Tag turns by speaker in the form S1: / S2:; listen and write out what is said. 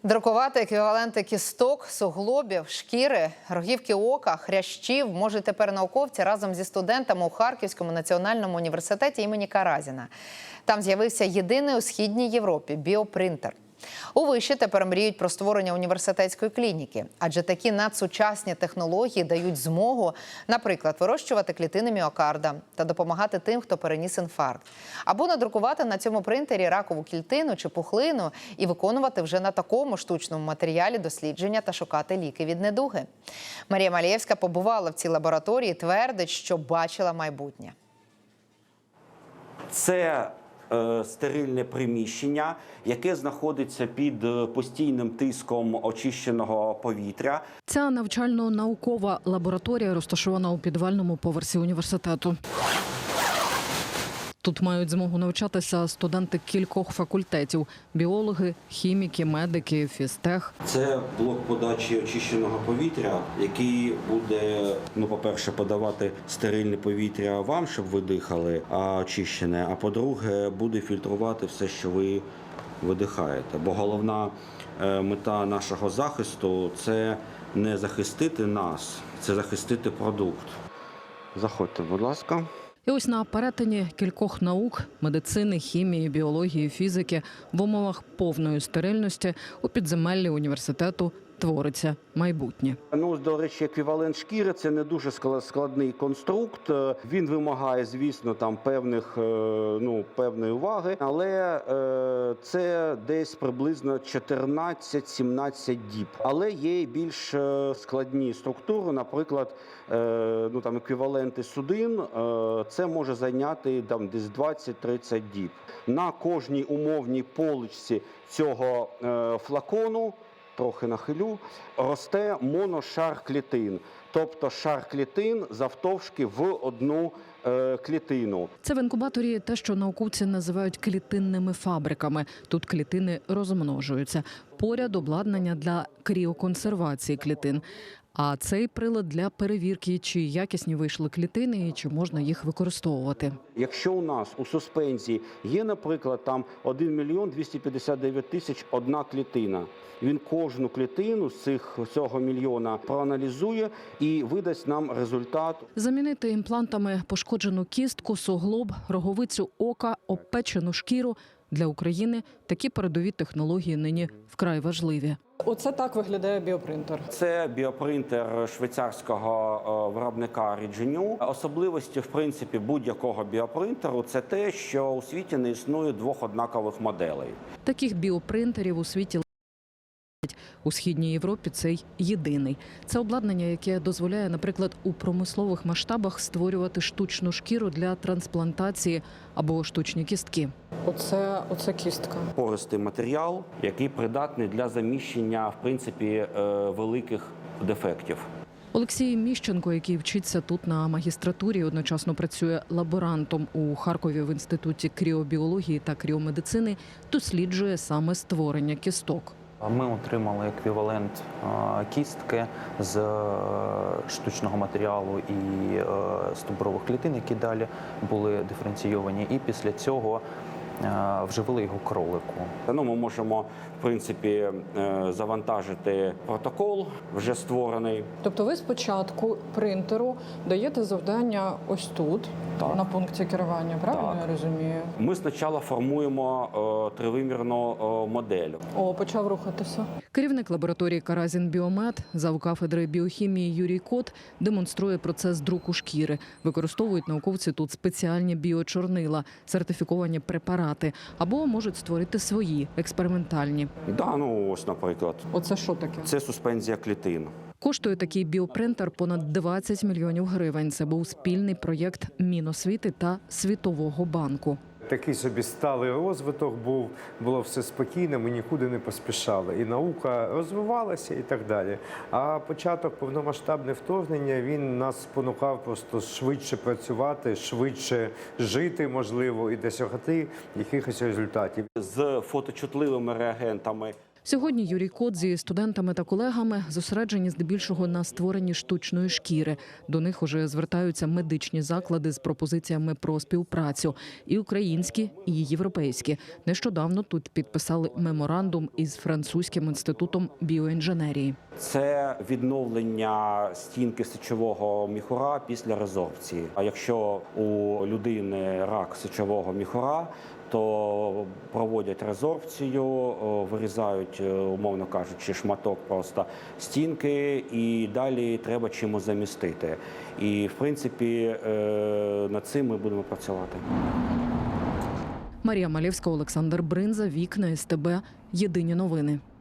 S1: Друкувати еквіваленти кісток, суглобів, шкіри, рогівки ока, хрящів можуть тепер науковці разом зі студентами у Харківському національному університеті імені Каразіна. Там з'явився єдиний у Східній Європі біопринтер. У виші тепер мріють про створення університетської клініки, адже такі надсучасні технології дають змогу, наприклад, вирощувати клітини міокарда та допомагати тим, хто переніс інфаркт. Або надрукувати на цьому принтері ракову клітину чи пухлину і виконувати вже на такому штучному матеріалі дослідження та шукати ліки від недуги. Марія Малєвська побувала в цій лабораторії і твердить, що бачила майбутнє.
S2: Це стерильне приміщення, яке знаходиться під постійним тиском очищеного повітря.
S3: Ця навчально-наукова лабораторія розташована у підвальному поверсі університету. Тут мають змогу навчатися студенти кількох факультетів – біологи, хіміки, медики, фізтех.
S2: Це блок подачі очищеного повітря, який буде, по-перше, подавати стерильне повітря вам, щоб ви дихали, очищене, а по-друге, буде фільтрувати все, що ви видихаєте. Бо головна мета нашого захисту – це не захистити нас, це захистити продукт. Заходьте, будь ласка.
S3: І ось на перетині кількох наук – медицини, хімії, біології, фізики – в умовах повної стерильності у підземеллі університету твориться майбутнє.
S2: До речі, еквівалент шкіри – це не дуже складний конструкт. Він вимагає, звісно, певної уваги, але це десь приблизно 14-17 діб. Але є і більш складні структури, наприклад, еквіваленти судин, це може зайняти десь 20-30 діб. На кожній умовній поличці цього флакону, трохи нахилю, росте моношар клітин, тобто шар клітин завтовшки в одну клітину.
S3: Це в інкубаторі те, що науковці називають клітинними фабриками. Тут клітини розмножуються. Поряд обладнання для кріоконсервації клітин. А цей прилад для перевірки, чи якісні вийшли клітини і чи можна їх використовувати.
S2: Якщо у нас у суспензії є, наприклад, 1 мільйон 259 тисяч одна клітина, він кожну клітину з цього мільйона проаналізує і видасть нам результат.
S3: Замінити імплантами пошкоджену кістку, суглоб, роговицю ока, обпечену шкіру – для України такі передові технології нині вкрай важливі.
S4: Оце так виглядає біопринтер.
S2: Це біопринтер швейцарського виробника Regenew. Особливості, в принципі, будь-якого біопринтеру – це те, що у світі не існує двох однакових моделей.
S3: Таких біопринтерів у світі у Східній Європі цей єдиний. Це обладнання, яке дозволяє, наприклад, у промислових масштабах створювати штучну шкіру для трансплантації або штучні кістки.
S4: Оце кістка.
S2: Пористий матеріал, який придатний для заміщення, в принципі, великих дефектів.
S3: Олексій Міщенко, який вчиться тут на магістратурі, одночасно працює лаборантом у Харкові в Інституті кріобіології та кріомедицини, досліджує саме створення кісток.
S5: Ми отримали еквівалент кістки з штучного матеріалу і стовбурових клітин, які далі були диференційовані, і після цього вживили його кролику.
S2: Ми можемо, в принципі, завантажити протокол, вже створений.
S4: Тобто ви спочатку принтеру даєте завдання ось тут, на пункті керування, правильно я розумію?
S2: Ми спочатку формуємо тривимірну модель.
S4: Почав рухатися.
S3: Керівник лабораторії «Каразін Біомед», завкафедри біохімії Юрій Кот демонструє процес друку шкіри. Використовують науковці тут спеціальні біочорнила, сертифіковані препарати, або можуть створити свої, експериментальні.
S2: Ось, наприклад.
S4: Оце що таке?
S2: Це суспензія клітин.
S3: Коштує такий біопринтер понад 20 мільйонів гривень. Це був спільний проєкт Міносвіти та Світового банку.
S6: Такий собі сталий розвиток був, було все спокійно, ми нікуди не поспішали. І наука розвивалася і так далі. А початок повномасштабного вторгнення, він нас спонукав просто швидше працювати, швидше жити, можливо, і досягти якихось результатів.
S2: З фоточутливими реагентами.
S3: Сьогодні Юрій Кот зі студентами та колегами зосереджені здебільшого на створенні штучної шкіри. До них уже звертаються медичні заклади з пропозиціями про співпрацю – і українські, і європейські. Нещодавно тут підписали меморандум із французьким інститутом біоінженерії.
S2: Це відновлення стінки сечового міхура після резорбції. А якщо у людини рак сечового міхура, то проводять резорбцію, вирізають, умовно кажучи, шматок просто стінки, і далі треба чимось замістити. І, в принципі, над цим ми будемо працювати.
S3: Марія Малєвська, Олександр Бринза, Вікна СТБ. Єдині новини.